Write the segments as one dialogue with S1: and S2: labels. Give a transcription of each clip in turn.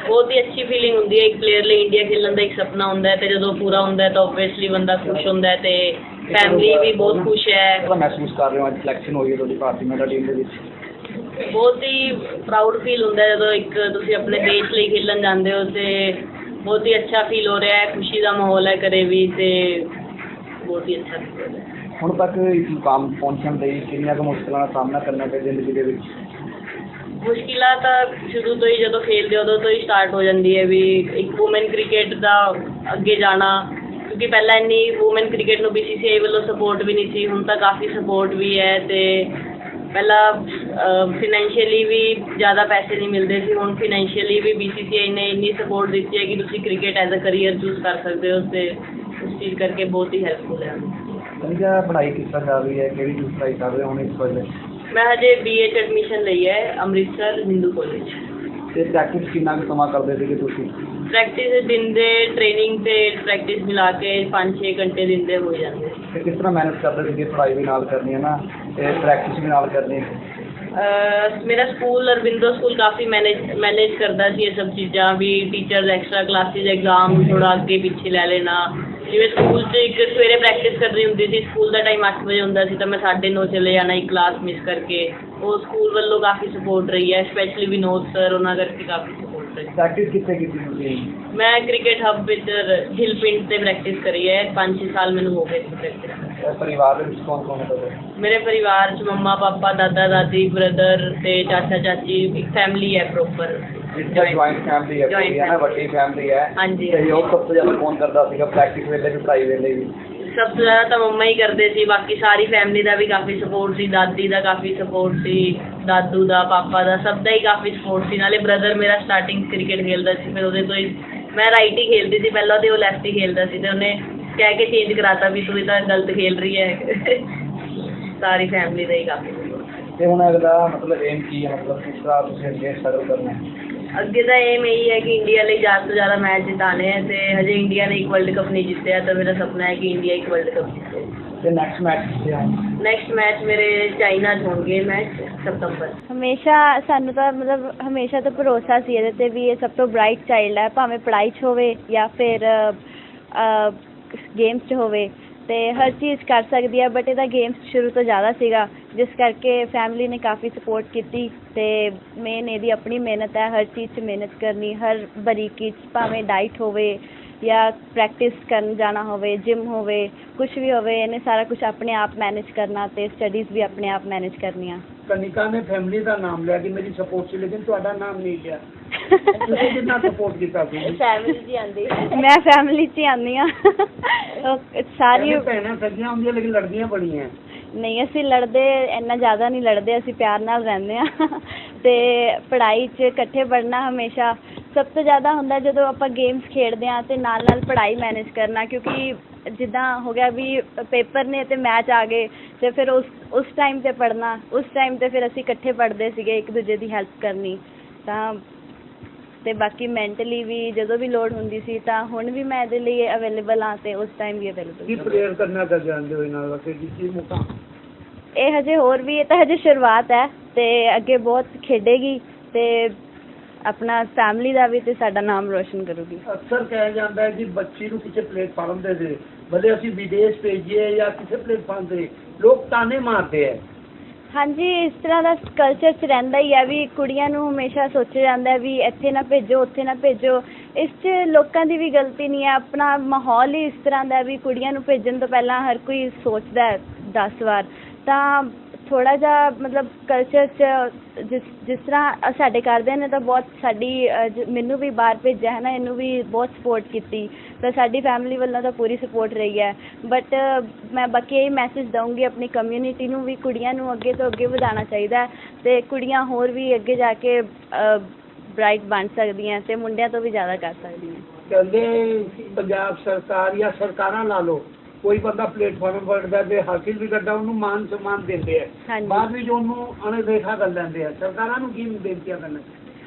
S1: बहुत ही अच्छी फीलिंग होंदी है। एक प्लेयर लिए इंडिया खेलने का एक सपना होंदा है, ते जदों पूरा होंदा है तो ऑब्वियसली बंदा खुश होंदा है, ते फैमिली भी बहुत खुश है।
S2: महसूस कर रहे हो अज सिलेक्शन हुई है ਤੁਹਾਡੀ ਭਾਰਤੀ ਮਹਿਲਾ ਟੀਮ ਦੇ ਵਿੱਚ?
S1: बहुत ही प्राउड फील होंदा है जदों एक तुसीं अपने देश ਲਈ खेलन जांदे हो, ते बहुत ही अच्छा फील हो रहा है। खुशी का माहौल है घरे भी, ते बहुत ही अच्छा फील हो रहा है।
S2: ਹੁਣ ਤੱਕ ਇਸ ਮੁਕਾਮ ਪਹੁੰਚਣ ਲਈ ਕਿੰਨੀਆਂ ਕੁ ਮੁਸ਼ਕਲਾਂ ਦਾ ਸਾਹਮਣਾ ਕਰਨਾ ਪਿਆ ਜ਼ਿੰਦਗੀ ਦੇ ਵਿੱਚ?
S1: ਮੁਸ਼ਕਿਲਾਂ ਤਾਂ ਸ਼ੁਰੂ ਤੋਂ ਹੀ ਜਦੋਂ ਖੇਡਦੇ ਉਦੋਂ ਤੋਂ ਹੀ ਸਟਾਰਟ ਹੋ ਜਾਂਦੀ ਹੈ ਵੀ ਇੱਕ ਵੂਮਨ ਕ੍ਰਿਕਟ ਦਾ ਅੱਗੇ ਜਾਣਾ, ਕਿਉਂਕਿ ਪਹਿਲਾਂ ਇੰਨੀ ਵੂਮਨ ਕ੍ਰਿਕਟ ਨੂੰ BCCI ਵੱਲੋਂ ਸਪੋਰਟ ਵੀ ਨਹੀਂ ਸੀ, ਹੁਣ ਤਾਂ ਕਾਫੀ ਸਪੋਰਟ ਵੀ ਹੈ। ਅਤੇ ਪਹਿਲਾਂ ਫਾਈਨੈਂਸ਼ੀਅਲੀ ਵੀ ਜ਼ਿਆਦਾ ਪੈਸੇ ਨਹੀਂ ਮਿਲਦੇ ਸੀ, ਹੁਣ ਫਾਈਨੈਂਸ਼ੀਅਲੀ ਵੀ BCCI ਨੇ ਇੰਨੀ ਸਪੋਰਟ ਦਿੱਤੀ ਹੈ ਕਿ ਤੁਸੀਂ cricket as a career choose ਕਰ ਸਕਦੇ ਹੋ, ਅਤੇ ਉਸ ਚੀਜ਼ ਕਰਕੇ ਬਹੁਤ ਹੀ ਹੈਲਪਫੁਲ ਹੈ।
S2: ਕਨਿਕਾ ਪੜ੍ਹਾਈ ਕਿਸ ਤਰ੍ਹਾਂ ਚੱਲ ਰਹੀ ਹੈ, ਕਿਹੜੀ ਚੀਜ਼ ਪੜ੍ਹਾਈ ਕਰ ਰਹੇ ਹੋ ਹੁਣ ਇਸ ਵੇਲੇ?
S1: ਮੈਂ ਹਜੇ BA 'ਚ ਐਡਮਿਸ਼ਨ ਲਈ ਹੈ ਅੰਮ੍ਰਿਤਸਰ ਹਿੰਦੂ ਕਾਲਜ।
S2: ਅਤੇ ਪ੍ਰੈਕਟਿਸ ਕਿੰਨਾ ਕੁ ਸਮਾਂ ਕਰਦੇ ਸੀਗੇ ਤੁਸੀਂ?
S1: ਪ੍ਰੈਕਟਿਸ ਦਿਨ ਦੇ ਟ੍ਰੇਨਿੰਗ ਅਤੇ ਪ੍ਰੈਕਟਿਸ ਮਿਲਾ ਕੇ 5-6 ਘੰਟੇ ਦਿਨ ਦੇ ਹੋ ਜਾਂਦੇ।
S2: ਅਤੇ ਕਿਸ ਤਰ੍ਹਾਂ ਮੈਨੇਜ ਕਰਦੇ ਸੀਗੇ, ਪੜ੍ਹਾਈ ਵੀ ਨਾਲ ਕਰਨੀ ਹੈ ਨਾ ਅਤੇ ਪ੍ਰੈਕਟਿਸ ਵੀ ਨਾਲ ਕਰਨੀ?
S1: ਮੇਰਾ ਸਕੂਲ ਅਰਵਿੰਦੋ ਸਕੂਲ ਕਾਫੀ ਮੈਨੇਜ ਕਰਦਾ ਸੀ ਇਹ ਸਭ ਚੀਜ਼ਾਂ ਵੀ, ਟੀਚਰਸ ਐਕਸਟਰਾ ਕਲਾਸਿਸ, ਐਗਜ਼ਾਮ ਥੋੜ੍ਹਾ ਅੱਗੇ ਪਿੱਛੇ ਲੈ ਲੈਣਾ। ਜਿਵੇਂ ਸਕੂਲ 'ਚ ਇੱਕ ਸਵੇਰੇ ਪ੍ਰੈਕਟਿਸ ਕਰਨੀ ਹੁੰਦੀ ਸੀ, ਸਕੂਲ ਦਾ ਟਾਈਮ 8 ਵਜੇ ਹੁੰਦਾ ਸੀ ਤਾਂ ਮੈਂ 9:30 ਚਲੇ ਜਾਣਾ ਇੱਕ ਕਲਾਸ ਮਿਸ ਕਰਕੇ। ਉਹ ਸਕੂਲ ਵੱਲੋਂ ਕਾਫੀ ਸਪੋਰਟ ਰਹੀ ਹੈ, ਸਪੈਸ਼ਲੀ ਵਿਨੋਦ ਸਰ, ਉਹਨਾਂ ਕਰਕੇ ਕਾਫੀ ਸਪੋਰਟ ਰਹੀ।
S2: ਪ੍ਰੈਕਟਿਸ ਕਿੱਥੇ ਕੀਤੀ ਤੁਸੀਂ?
S1: ਮੈਂ ਕ੍ਰਿਕਟ ਹੱਬ ਵਿੱਚ ਹਿਲ ਪਿੰਡ 'ਤੇ ਪ੍ਰੈਕਟਿਸ ਕਰੀ ਹੈ, 5-6 ਸਾਲ ਮੈਨੂੰ ਹੋ ਗਏ ਸੀ ਪ੍ਰੈਕਟਿਸ।
S2: ਪਰਿਵਾਰ ਦੇ ਵਿੱਚ ਕੌਣ ਕੌਣ ਹੈ ਤੁਹਾਡੇ?
S1: ਮੇਰੇ ਪਰਿਵਾਰ 'ਚ ਮੰਮਾ ਪਾਪਾ, ਦਾਦਾ ਦਾਦੀ, ਬ੍ਰਦਰ ਅਤੇ ਚਾਚਾ ਚਾਚੀ, ਇੱਕ ਫੈਮਿਲੀ ਹੈ ਪ੍ਰੋਪਰ।
S2: ਜੁਆਇੰਟ ਫੈਮਿਲੀ ਹੈ ਪੂਰੀ ਹੈ ਨਾ, ਵੱਡੀ ਫੈਮਿਲੀ ਹੈ।
S1: ਹਾਂਜੀ।
S2: ਸਹਿਯੋਗ ਸਭ ਤੋਂ ਜ਼ਿਆਦਾ ਕੌਣ ਕਰਦਾ ਸੀਗਾ ਪ੍ਰੈਕਟਿਸ ਵੇਲੇ ਵੀ, ਪੜ੍ਹਾਈ ਵੇਲੇ ਵੀ?
S1: ਸਭ ਤੋਂ ਜ਼ਿਆਦਾ ਤਾਂ ਮੰਮਾ ਹੀ ਕਰਦੇ ਸੀ, ਬਾਕੀ ਸਾਰੀ ਫੈਮਿਲੀ ਦਾ ਵੀ ਕਾਫੀ ਸਪੋਰਟ ਸੀ, ਦਾਦੀ ਦਾ ਕਾਫੀ ਸਪੋਰਟ ਸੀ, ਦਾਦੂ ਦਾ, ਪਾਪਾ ਦਾ, ਸਭ ਦਾ ਹੀ ਕਾਫੀ ਸਪੋਰਟ ਸੀ। ਨਾਲੇ ਬ੍ਰਦਰ ਮੇਰਾ ਸਟਾਰਟਿੰਗ ਕ੍ਰਿਕਟ ਖੇਲਦਾ ਸੀ, ਫਿਰ ਉਹਦੇ ਤੋਂ ਹੀ ਮੈਂ ਰਾਈਟ ਹੀ ਖੇਲਦੀ ਸੀ ਪਹਿਲਾਂ, ਅਤੇ ਉਹ ਲੈਫਟ ਹੀ ਖੇਲਦਾ ਸੀ, ਅਤੇ ਉਹਨੇ ਕਹਿ ਕੇ ਚੇਂਜ ਕਰਾਤਾ ਵੀ ਤੂੰ ਇਹ ਤਾਂ ਗਲਤ ਖੇਲ ਰਹੀ ਹੈ। ਸਾਰੀ ਫੈਮਿਲੀ ਦਾ ਹੀ ਕਾਫੀ ਸਪੋਰਟ।
S2: ਅਤੇ ਹੁਣ ਅਗਲਾ ਮਤਲਬ ਏਮ ਕੀ ਹੈ, ਮਤਲਬ ਕਿਸ ਤਰ੍ਹਾਂ ਤੁਸੀਂ ਅੱਗੇ ਸਟਰਗਲ ਕਰਨਾ ਹੈ?
S1: ਅੱਗੇ ਦਾ ਏਮ ਇਹੀ ਹੈ ਕਿ ਇੰਡੀਆ ਲਈ ਜ਼ਿਆਦਾ ਤੋਂ ਜ਼ਿਆਦਾ ਮੈਚ ਜਿਤਾਣੇ ਹੈ, ਅਤੇ ਹਜੇ ਇੰਡੀਆ ਨੇ ਇੱਕ ਵਰਲਡ ਕੱਪ ਨਹੀਂ ਜਿੱਤਿਆ, ਤਾਂ ਮੇਰਾ ਸੁਪਨਾ ਹੈ ਕਿ ਇੰਡੀਆ ਇੱਕ ਵਰਲਡ ਕੱਪ ਜਿੱਤੇ।
S2: ਅਤੇ ਨੈਕਸਟ ਮੈਚ ਕਿੱਥੇ ਹੈ?
S1: ਨੈਕਸਟ ਮੈਚ ਮੇਰੇ ਚਾਈਨਾ 'ਚ ਹੋਣਗੇ ਮੈਚ ਸਤੰਬਰ।
S3: ਹਮੇਸ਼ਾ ਸਾਨੂੰ ਤਾਂ ਮਤਲਬ ਹਮੇਸ਼ਾ ਤੋਂ ਭਰੋਸਾ ਸੀ ਇਹਦੇ 'ਤੇ ਵੀ ਇਹ ਸਭ ਤੋਂ ਬਰਾਈਟ ਚਾਈਲਡ ਹੈ, ਭਾਵੇਂ ਪੜ੍ਹਾਈ 'ਚ ਹੋਵੇ ਜਾਂ ਫਿਰ ਗੇਮਸ 'ਚ ਹੋਵੇ, ਅਤੇ ਹਰ ਚੀਜ਼ ਕਰ ਸਕਦੀ ਹੈ। ਬਟ ਇਹਦਾ ਗੇਮਸ ਸ਼ੁਰੂ ਤੋਂ ਜ਼ਿਆਦਾ ਸੀਗਾ, ਜਿਸ ਕਰਕੇ ਫੈਮਿਲੀ ਨੇ ਕਾਫੀ ਸਪੋਰਟ ਕੀਤੀ, ਅਤੇ ਮੇਨ ਇਹਦੀ ਆਪਣੀ ਮਿਹਨਤ ਹੈ, ਹਰ ਚੀਜ਼ 'ਚ ਮਿਹਨਤ ਕਰਨੀ, ਹਰ ਬਰੀਕੀ 'ਚ, ਭਾਵੇਂ ਡਾਈਟ ਹੋਵੇ ਜਾਂ ਪ੍ਰੈਕਟਿਸ ਕਰਨ ਜਾਣਾ ਹੋਵੇ, ਜਿਮ ਹੋਵੇ, ਕੁਛ ਵੀ ਹੋਵੇ, ਇਹਨੇ ਸਾਰਾ ਕੁਛ ਆਪਣੇ ਆਪ ਮੈਨੇਜ ਕਰਨਾ, ਅਤੇ ਸਟੱਡੀਜ਼ ਵੀ ਆਪਣੇ ਆਪ ਮੈਨੇਜ ਕਰਨੀਆਂ।
S4: ਕਨਿਕਾ ਨੇ ਫੈਮਿਲੀ ਦਾ ਨਾਮ ਲਿਆ ਕਿ ਮੇਰੀ ਸਪੋਰਟ ਸੀ, ਲੇਕਿਨ ਤੁਹਾਡਾ ਨਾਮ ਨਹੀਂ ਲਿਆ। ਤੁਸੀਂ ਕਿੰਨਾ ਸਪੋਰਟ ਕੀਤਾ ਸੀ?
S1: ਫੈਮਿਲੀ 'ਚ ਹੀ ਆਉਂਦੀ।
S3: ਮੈਂ ਫੈਮਿਲੀ 'ਚ ਹੀ ਆਉਂਦੀ ਹਾਂ। ਸਾਰੀ
S4: ਭੈਣਾਂ ਸੱਜੀਆਂ ਹੁੰਦੀਆਂ ਲੇਕਿਨ ਲੜਦੀਆਂ ਬੜੀਆਂ।
S3: ਨਹੀਂ, ਅਸੀਂ ਲੜਦੇ ਇੰਨਾ ਜ਼ਿਆਦਾ ਨਹੀਂ ਲੜਦੇ, ਅਸੀਂ ਪਿਆਰ ਨਾਲ ਰਹਿੰਦੇ ਹਾਂ। ਅਤੇ ਪੜ੍ਹਾਈ 'ਚ ਇਕੱਠੇ ਪੜ੍ਹਨਾ ਹਮੇਸ਼ਾ ਸਭ ਤੋਂ ਜ਼ਿਆਦਾ ਹੁੰਦਾ ਜਦੋਂ ਆਪਾਂ ਗੇਮਸ ਖੇਡਦੇ ਹਾਂ, ਅਤੇ ਨਾਲ ਨਾਲ ਪੜ੍ਹਾਈ ਮੈਨੇਜ ਕਰਨਾ, ਕਿਉਂਕਿ ਜਿੱਦਾਂ ਹੋ ਗਿਆ ਵੀ ਪੇਪਰ ਨੇ ਅਤੇ ਮੈਚ ਆ ਗਏ, ਅਤੇ ਫਿਰ ਉਸ ਟਾਈਮ 'ਤੇ ਪੜ੍ਹਨਾ, ਉਸ ਟਾਈਮ 'ਤੇ ਫਿਰ ਅਸੀਂ ਇਕੱਠੇ ਪੜ੍ਹਦੇ ਸੀਗੇ, ਇੱਕ ਦੂਜੇ ਦੀ ਹੈਲਪ ਕਰਨੀ। ਤਾਂ ਅਤੇ ਬਾਕੀ ਮੈਂਟਲੀ ਵੀ ਜਦੋਂ ਵੀ ਲੋੜ ਹੁੰਦੀ ਸੀ, ਤਾਂ ਹੁਣ ਵੀ ਮੈਂ ਇਹਦੇ ਲਈ ਅਵੇਲੇਬਲ ਹਾਂ, ਅਤੇ ਉਸ ਟਾਈਮ ਵੀ ਅਵੇਲੇਬਲ।
S4: ਕੀ ਪ੍ਰੇਅਰ ਕਰਨਾ ਕਰ ਜਾਂਦੇ ਹੋ ਇਹਨਾਂ ਵਾਸਤੇ ਕੀ ਮੁਕਾਮ?
S3: ਇਹ ਹਜੇ ਹੋਰ ਵੀ, ਇਹ ਤਾਂ ਹਜੇ ਸ਼ੁਰੂਆਤ ਹੈ, ਅਤੇ ਅੱਗੇ ਬਹੁਤ ਖੇਡੇਗੀ, ਅਤੇ ਆਪਣਾ ਫੈਮਿਲੀ ਦਾ ਵੀ ਅਤੇ ਸਾਡਾ ਨਾਮ ਰੋਸ਼ਨ ਕਰੂਗੀ।
S4: ਅਕਸਰ ਕਿਹਾ ਜਾਂਦਾ ਹੈ ਕਿ ਬੱਚੀ ਨੂੰ ਕਿਸੇ ਪਲੇਟਫਾਰਮ ਦੇ ਦੇ, ਭਲੇ ਅਸੀਂ ਵਿਦੇਸ਼ ਭੇਜੀਏ ਜਾਂ ਕਿਸੇ ਪਲੇਟਫਾਰਮ 'ਤੇ, ਲੋਕ ਤਾਨੇ ਮਾਰਦੇ ਹੈ।
S3: ਹਾਂਜੀ, ਇਸ ਤਰ੍ਹਾਂ ਦਾ ਕਲਚਰ 'ਚ ਰਹਿੰਦਾ ਹੀ ਹੈ ਵੀ ਕੁੜੀਆਂ ਨੂੰ ਹਮੇਸ਼ਾ ਸੋਚਿਆ ਜਾਂਦਾ ਵੀ ਇੱਥੇ ਨਾ ਭੇਜੋ, ਉੱਥੇ ਨਾ ਭੇਜੋ। ਇਸ 'ਚ ਲੋਕਾਂ ਦੀ ਵੀ ਗਲਤੀ ਨਹੀਂ ਹੈ, ਆਪਣਾ ਮਾਹੌਲ ਹੀ ਇਸ ਤਰ੍ਹਾਂ ਦਾ ਵੀ ਕੁੜੀਆਂ ਨੂੰ ਭੇਜਣ ਤੋਂ ਪਹਿਲਾਂ ਹਰ ਕੋਈ ਸੋਚਦਾ 10 ਵਾਰ। ਤਾਂ ਥੋੜ੍ਹਾ ਜਿਹਾ ਮਤਲਬ ਕਲਚਰ 'ਚ ਜਿਸ ਤਰ੍ਹਾਂ ਸਾਡੇ ਘਰਦਿਆਂ ਨੇ ਤਾਂ ਬਹੁਤ ਮੈਨੂੰ ਵੀ ਬਾਹਰ ਭੇਜਿਆ ਹੈ ਨਾ, ਇਹਨੂੰ ਵੀ ਬਹੁਤ ਸਪੋਰਟ ਕੀਤੀ, ਤਾਂ ਸਾਡੀ ਫੈਮਿਲੀ ਵੱਲੋਂ ਤਾਂ ਪੂਰੀ ਸਪੋਰਟ ਰਹੀ ਹੈ। ਬਟ ਮੈਂ ਬਾਕੀ ਇਹ ਮੈਸੇਜ ਦਊਂਗੀ ਆਪਣੀ ਕਮਿਊਨਿਟੀ ਨੂੰ ਵੀ ਕੁੜੀਆਂ ਨੂੰ ਅੱਗੇ ਤੋਂ ਅੱਗੇ ਵਧਾਉਣਾ ਚਾਹੀਦਾ, ਅਤੇ ਕੁੜੀਆਂ ਹੋਰ ਵੀ ਅੱਗੇ ਜਾ ਕੇ ਬਰਾਈਟ ਬਣ ਸਕਦੀਆਂ, ਅਤੇ ਮੁੰਡਿਆਂ ਤੋਂ ਵੀ ਜ਼ਿਆਦਾ ਕਰ ਸਕਦੀਆਂ।
S4: ਕਹਿੰਦੇ ਪੰਜਾਬ ਸਰਕਾਰ ਜਾਂ ਸਰਕਾਰਾਂ ਲਾ ਲਓ, ਕੋਈ ਬੰਦਾ ਪਲੇਟਫਾਰਮ ਵੜਦਾ ਤੇ ਹਾਸਿਲ ਵੀ ਕਰਦਾ, ਉਹਨੂੰ ਮਾਨ ਸਨਮਾਨ ਦਿੰਦੇ ਆ, ਬਾਅਦ ਵਿੱਚ ਉਹਨੂੰ ਅਣਦੇਖਾ ਕਰ ਲੈਂਦੇ ਆ। ਸਰਕਾਰਾਂ ਨੂੰ ਕੀ ਬੇਨਤੀਆਂ ਕਰਨਾ?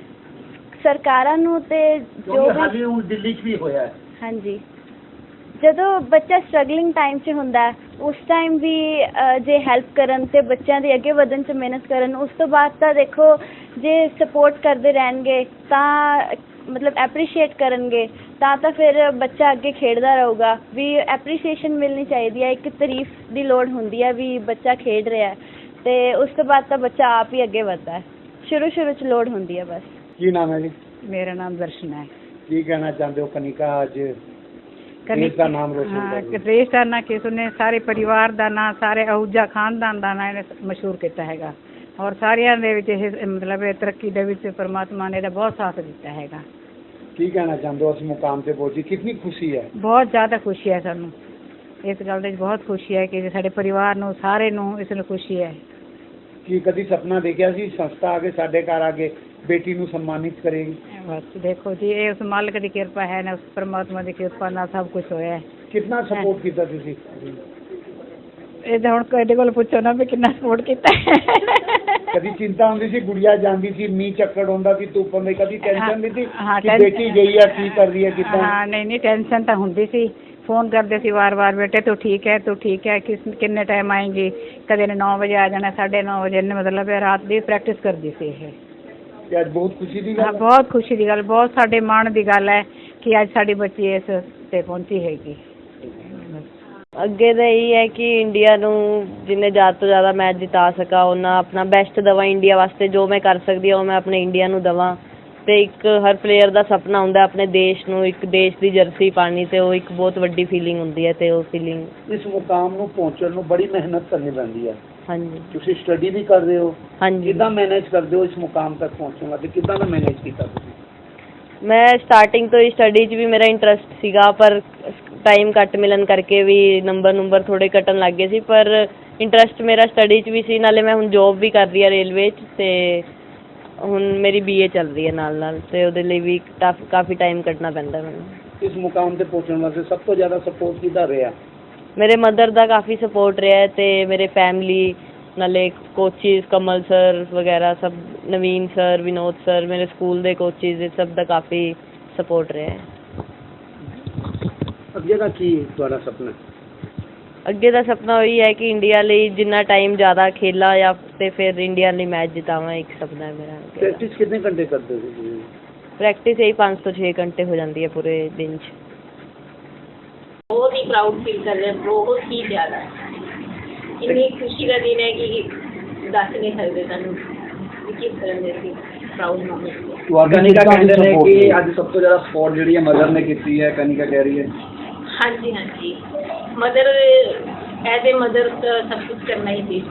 S4: ਸਰਕਾਰਾਂ ਨੂੰ ਤੇ ਜੋ ਹਾਲੇ ਹੁਣ ਦਿੱਲੀ 'ਚ ਵੀ ਹੋਇਆ। ਹਾਂਜੀ, ਜਦੋਂ ਬੱਚਾ ਸਟਰਗਲਿੰਗ ਟਾਈਮ 'ਚ ਹੁੰਦਾ, ਉਸ ਟਾਈਮ ਵੀ ਜੇ ਹੈਲਪ ਕਰਨ ਅਤੇ ਬੱਚਿਆਂ ਦੇ ਅੱਗੇ ਵਧਣ 'ਚ ਮਿਹਨਤ ਕਰਨ, ਉਸ ਤੋਂ ਬਾਅਦ ਤਾਂ ਦੇਖੋ ਜੇ ਸਪੋਰਟ ਕਰਦੇ ਰਹਿਣਗੇ ਤਾਂ
S3: ਮਤਲਬ ਐਪਰੀਸ਼ੀਏਟ ਕਰਨਗੇ ਤਾਂ ਫਿਰ ਬੱਚਾ ਅੱਗੇ ਖੇਡਦਾ ਰਹੂਗਾ। ਵੀ ਐਪਰੀਸ਼ੀਏਸ਼ਨ ਮਿਲਣੀ ਚਾਹੀਦੀ ਹੈ, ਇੱਕ ਤਾਰੀਫ ਦੀ ਲੋੜ ਹੁੰਦੀ ਹੈ ਵੀ ਬੱਚਾ ਖੇਡ ਰਿਹਾ ਅਤੇ ਉਸ ਤੋਂ ਬਾਅਦ ਤਾਂ ਬੱਚਾ ਆਪ ਹੀ ਅੱਗੇ ਵੱਧਦਾ ਹੈ। ਸ਼ੁਰੂ 'ਚ ਲੋੜ ਹੁੰਦੀ ਹੈ ਬਸ।
S2: ਕੀ ਨਾਮ ਹੈ ਜੀ?
S5: ਮੇਰਾ ਨਾਮ ਦਰਸ਼ਨ ਹੈ।
S2: ਕੀ ਕਹਿਣਾ ਚਾਹੁੰਦੇ ਹੋ ਕਨਿਕਾ ਅੱਜ ਦੇਸ਼ ਦਾ ਨਾਮ ਰੋਸ਼ਨ ਕਰ ਰਹੀ ਹੈ?
S5: ਦੇਸ਼ ਦਾ ਨਾਂ ਕਿਸ ਨੇ, ਸਾਰੇ ਪਰਿਵਾਰ ਦਾ ਨਾਂ, ਸਾਰੇ ਅਹੂਜਾ ਖਾਨਦਾਨ ਦਾ ਨਾਂ ਇਹਨੇ ਮਸ਼ਹੂਰ ਕੀਤਾ ਹੈਗਾ ਔਰ ਸਾਰਿਆਂ ਦੇ ਵਿੱਚ ਇਹ ਮਤਲਬ ਇਹ ਤਰੱਕੀ ਦੇ ਵਿੱਚ ਪਰਮਾਤਮਾ ਨੇ ਇਹਦਾ ਬਹੁਤ ਸਾਥ ਦਿੱਤਾ ਹੈਗਾ।
S2: ਕੀ ਕਹਿਣਾ ਚਾਹੁੰਦੇ ਹੋ ਇਸ ਮੁਕਾਮ ਤੇ ਪਹੁੰਚੀ, ਕਿੰਨੀ ਖੁਸ਼ੀ ਹੈ?
S5: ਬਹੁਤ ਜ਼ਿਆਦਾ ਖੁਸ਼ੀ ਹੈ ਸਾਨੂੰ, ਇਸ ਗੱਲ ਦੀ ਬਹੁਤ ਖੁਸ਼ੀ ਹੈ ਕਿ ਸਾਡੇ ਪਰਿਵਾਰ ਨੂੰ ਸਾਰੇ ਨੂੰ ਇਸ ਨੂੰ ਖੁਸ਼ੀ ਹੈ।
S2: ਕੀ ਕਦੀ ਸੁਪਨਾ ਦੇਖਿਆ ਸੀ ਸੰਸਥਾ ਆ ਕੇ ਸਾਡੇ ਘਰ ਆ ਕੇ ਬੇਟੀ ਨੂੰ ਸਨਮਾਨਿਤ ਕਰੇਗੀ?
S5: ਬਸ ਦੇਖੋ ਜੀ, ਇਹ ਉਸ ਮਾਲਕ ਦੀ ਕਿਰਪਾ ਹੈ ਨਾ, ਉਸ ਪਰਮਾਤਮਾ ਦੀ ਕਿਰਪਾ ਨਾਲ ਸਭ ਕੁਝ ਹੋਇਆ ਹੈ।
S2: ਕਿੰਨਾ ਸਪੋਰਟ ਕੀਤਾ ਤੁਸੀਂ?
S5: ਇਹ ਤਾਂ ਹੁਣ ਤੁਹਾਡੇ ਕੋਲ ਪੁੱਛੋ ਨਾ ਵੀ ਕਿੰਨਾ ਸਪੋਰਟ ਕੀਤਾ।
S2: ਕਦੀ ਚਿੰਤਾ ਹੁੰਦੀ ਸੀ ਗੁੜੀਆ ਜਾਂਦੀ ਸੀ, ਮੀਂਹ ਚੱਕੜ ਹੁੰਦਾ ਸੀ, ਧੁੱਪ ਹੁੰਦੀ, ਕਦੀ ਟੈਨਸ਼ਨ ਨਹੀਂ ਸੀ
S5: ਹਾਂ,
S2: ਕਿ ਬੇਟੀ ਗਈ ਹੈ ਕੀ ਕਰ ਰਹੀ ਹੈ ਕਿੱਦਾਂ?
S5: ਹਾਂ ਨਹੀਂ ਟੈਨਸ਼ਨ ਤਾਂ ਹੁੰਦੀ ਸੀ। ਫੋਨ ਕਰਦੇ ਸੀ ਵਾਰ-ਵਾਰ, ਬੇਟੇ ਤੂੰ ਠੀਕ ਹੈ, ਤੂੰ ਠੀਕ ਹੈ, ਕਿੰਨੇ ਟਾਈਮ ਆਏਂਗੀ? ਕਦੇ ਨੇ 9 ਵਜੇ ਆ ਜਾਣਾ, 9:30 ਵਜੇ ਨੇ, ਮਤਲਬ ਰਾਤ ਦੀ ਪ੍ਰੈਕਟਿਸ ਕਰਦੀ ਸੀ ਇਹ।
S2: ਤੇ ਅੱਜ ਬਹੁਤ ਖੁਸ਼ੀ ਦੀ
S5: ਹਾਂ,
S2: ਗੱਲ ਹੈ।
S5: ਬਹੁਤ ਖੁਸ਼ੀ ਦੀ ਗੱਲ, ਬਹੁਤ ਸਾਡੇ ਮਾਣ ਦੀ ਗੱਲ ਹੈ ਕਿ ਅੱਜ ਸਾਡੀ ਬੱਚੀ ਇਸ 'ਤੇ ਪਹੁੰਚੀ ਹੈਗੀ।
S1: ਅੱਗੇ ਤਾਂ ਇਹੀ ਹੈ ਕਿ ਇੰਡੀਆ ਨੂੰ ਜਿੰਨੇ ਜ਼ਿਆਦਾ ਤੋਂ ਜ਼ਿਆਦਾ ਮੈਚ ਜਿਤਾ ਸਕਾਂ ਉਹਨਾਂ ਆਪਣਾ ਬੈਸਟ ਦੇਵਾਂ ਇੰਡੀਆ ਵਾਸਤੇ। ਜੋ ਮੈਂ ਕਰ ਸਕਦੀ ਹਾਂ ਉਹ ਮੈਂ ਆਪਣੇ ਇੰਡੀਆ ਨੂੰ ਦੇਵਾਂ। ਅਤੇ ਇੱਕ ਹਰ ਪਲੇਅਰ ਦਾ ਸੁਪਨਾ ਹੁੰਦਾ ਆਪਣੇ ਦੇਸ਼ ਨੂੰ ਇੱਕ ਦੇਸ਼ ਦੀ ਜਰਸੀ ਪਾਉਣੀ, ਅਤੇ ਉਹ ਇੱਕ ਬਹੁਤ ਵੱਡੀ ਫੀਲਿੰਗ ਹੁੰਦੀ ਹੈ। ਅਤੇ ਉਹ ਫੀਲਿੰਗ
S2: ਇਸ ਮੁਕਾਮ ਨੂੰ ਪਹੁੰਚਣ ਨੂੰ ਬੜੀ ਮਿਹਨਤ ਕਰਨੀ ਪੈਂਦੀ ਹੈ।
S1: ਹਾਂਜੀ
S2: ਤੁਸੀਂ ਸਟੱਡੀ ਵੀ ਕਰਦੇ ਹੋ,
S1: ਹਾਂਜੀ।
S2: ਕਿੱਦਾਂ ਮੈਨੇਜ ਕਰਦੇ ਹੋ ਇਸ ਮੁਕਾਮ ਤੱਕ ਪਹੁੰਚਣ ਵਾਸਤੇ? ਕਿੱਦਾਂ ਦਾ ਮੈਨੇਜ ਕੀਤਾ ਤੁਸੀਂ?
S1: ਮੈਂ ਸਟਾਰਟਿੰਗ ਤੋਂ ਹੀ ਸਟੱਡੀ 'ਚ ਵੀ ਮੇਰਾ ਇੰਟਰਸਟ ਸੀਗਾ, ਪਰ ਟਾਈਮ ਘੱਟ ਮਿਲਣ ਕਰਕੇ ਵੀ ਨੰਬਰ ਥੋੜ੍ਹੇ ਘਟਣ ਲੱਗ ਗਏ ਸੀ, ਪਰ ਇੰਟਰਸਟ ਮੇਰਾ ਸਟੱਡੀ 'ਚ ਵੀ ਸੀ। ਨਾਲੇ ਮੈਂ ਹੁਣ ਜੋਬ ਵੀ ਕਰ ਰਹੀ ਹਾਂ ਰੇਲਵੇ 'ਚ, ਅਤੇ ਹੁਣ ਮੇਰੀ BA ਚੱਲ ਰਹੀ ਹੈ ਨਾਲ ਅਤੇ ਉਹਦੇ ਲਈ ਵੀ ਕਾਫੀ ਟਾਈਮ ਕੱਢਣਾ ਪੈਂਦਾ ਮੈਨੂੰ।
S2: ਇਸ ਮੁਕਾਮ ਤੇ ਪਹੁੰਚਣ ਵਾਸਤੇ ਸਭ ਤੋਂ ਜ਼ਿਆਦਾ ਸਪੋਰਟ ਕਿਹਦਾ ਰਿਹਾ?
S1: ਮੇਰੇ ਮਦਰ ਦਾ ਕਾਫੀ ਸਪੋਰਟ ਰਿਹਾ ਅਤੇ ਮੇਰੇ ਫੈਮਲੀ, ਨਾਲੇ ਕੋਚਿਸ ਕਮਲ ਸਰ ਵਗੈਰਾ ਸਭ, ਨਵੀਨ ਸਰ, ਵਿਨੋਦ ਸਰ, ਮੇਰੇ ਸਕੂਲ ਦੇ ਕੋਚਿਸ, ਇਹ ਸਭ ਦਾ ਕਾਫੀ ਸਪੋਰਟ ਰਿਹਾ ਹੈ।
S2: ਅੱਗੇ ਦਾ ਕੀ ਤੁਹਾਡਾ ਸੁਪਨਾ?
S1: ਅੱਗੇ ਦਾ ਸੁਪਨਾ ਉਹੀ ਹੈ ਕਿ ਇੰਡੀਆ ਲਈ ਜਿੰਨਾ ਟਾਈਮ ਜ਼ਿਆਦਾ ਖੇਲਾਂ ਜਾਂ ਅਤੇ ਫਿਰ ਇੰਡੀਆ ਲਈ ਮੈਚ ਜਿਤਾਵਾਂ, ਇੱਕ ਸੁਪਨਾ ਹੈ ਮੇਰਾ।
S2: ਪ੍ਰੈਕਟਿਸ ਕਿੰਨੇ ਘੰਟੇ ਕਰਦੇ ਹੋ ਤੁਸੀਂ?
S1: ਪ੍ਰੈਕਟਿਸ ਇਹੀ 5 ਤੋਂ 6 ਘੰਟੇ ਹੋ ਜਾਂਦੀ ਹੈ ਪੂਰੇ ਦਿਨ 'ਚ।
S6: ਬਹੁਤ ਹੀ ਪ੍ਰਾਊਡ ਫੀਲ ਕਰ ਰਹੇ, ਬਹੁਤ ਹੀ ਜ਼ਿਆਦਾ। ਇੰਨੀ ਖੁਸ਼ੀ ਦਾ ਦਿਨ ਹੈ ਕਿ ਦੱਸ ਨਹੀਂ ਸਕਦੇ ਸਾਨੂੰ ਕਿ ਕਿਸ ਤਰ੍ਹਾਂ ਦੇ ਅਸੀਂ ਪ੍ਰਾਊਡ ਮੂਮੈਂਟ।
S2: ਕਨਿਕਾ ਕਹਿੰਦੇ ਨੇ ਕਿ ਅੱਜ ਸਭ ਤੋਂ ਜ਼ਿਆਦਾ ਸਪੋਰਟ ਜਿਹੜੀ ਹੈ ਮਦਰ ਨੇ ਕੀਤੀ ਹੈ, ਕਨਿਕਾ ਕਹਿ ਰਹੀ ਹੈ।
S6: ਹਾਂਜੀ ਹਾਂਜੀ, ਮਦਰ ਐਜ਼ ਏ ਮਦਰ ਸਭ ਕੁਝ ਕਰਨਾ ਹੀ ਸੀ।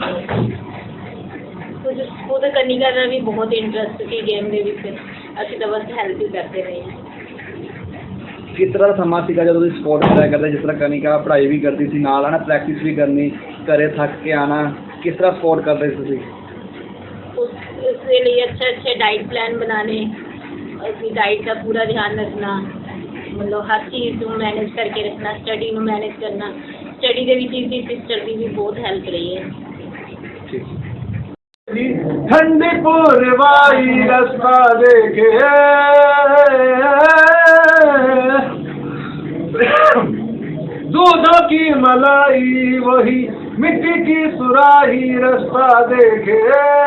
S6: ਖੁਦ ਕਨਿਕਾ ਦਾ ਵੀ ਬਹੁਤ ਇੰਟਰਸਟ ਸੀ ਗੇਮ ਦੇ ਵਿੱਚ, ਅਸੀਂ ਤਾਂ ਬਸ ਹੈਲਪ ਹੀ ਕਰਦੇ ਰਹੇ।
S2: ਕਿਸ ਤਰ੍ਹਾਂ ਦਾ ਸਮਾਂ ਸੀਗਾ ਜਦੋਂ ਤੁਸੀਂ ਸਪੋਰਟ ਕਰਿਆ ਕਰਦੇ? ਜਿਸ ਤਰ੍ਹਾਂ ਕਨਿਕਾ ਪੜ੍ਹਾਈ ਵੀ ਕਰਦੀ ਸੀ ਨਾਲ, ਹੈ ਨਾ, ਪ੍ਰੈਕਟਿਸ ਵੀ ਕਰਨੀ, ਘਰੇ ਥੱਕ ਕੇ ਆਉਣਾ, ਕਿਸ ਤਰ੍ਹਾਂ ਸਪੋਰਟ ਕਰਦੇ ਸੀ ਤੁਸੀਂ?
S6: उसके लिए अच्छे डाइट प्लान बनाने, उसकी डाइट का पूरा ध्यान रखना, मतलब हर चीज़ को मैनेज करके रखना, स्टडी में मैनेज करना। स्टडी के भी चीज़ की सिस्टर की भी बहुत हेल्प रही है।
S4: ठंडी पूर्वाई रास्ता देखे दूधों की मलाई वही मिट्टी की सुराही रास्ता देखे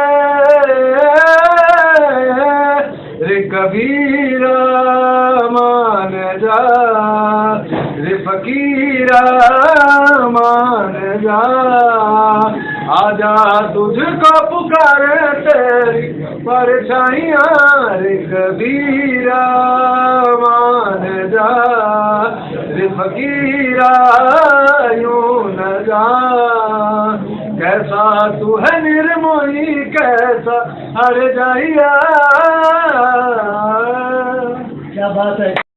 S4: रे कबीरा मान जा, रे फकीरा मान जा, आजा तुझको पुकारे तेरी परछाइयाँ, रे कबीरा मान जा, रे फकीरा यूं न जा। कैसा तू है निर्मोही, कैसा हर जाइया। क्या बात है।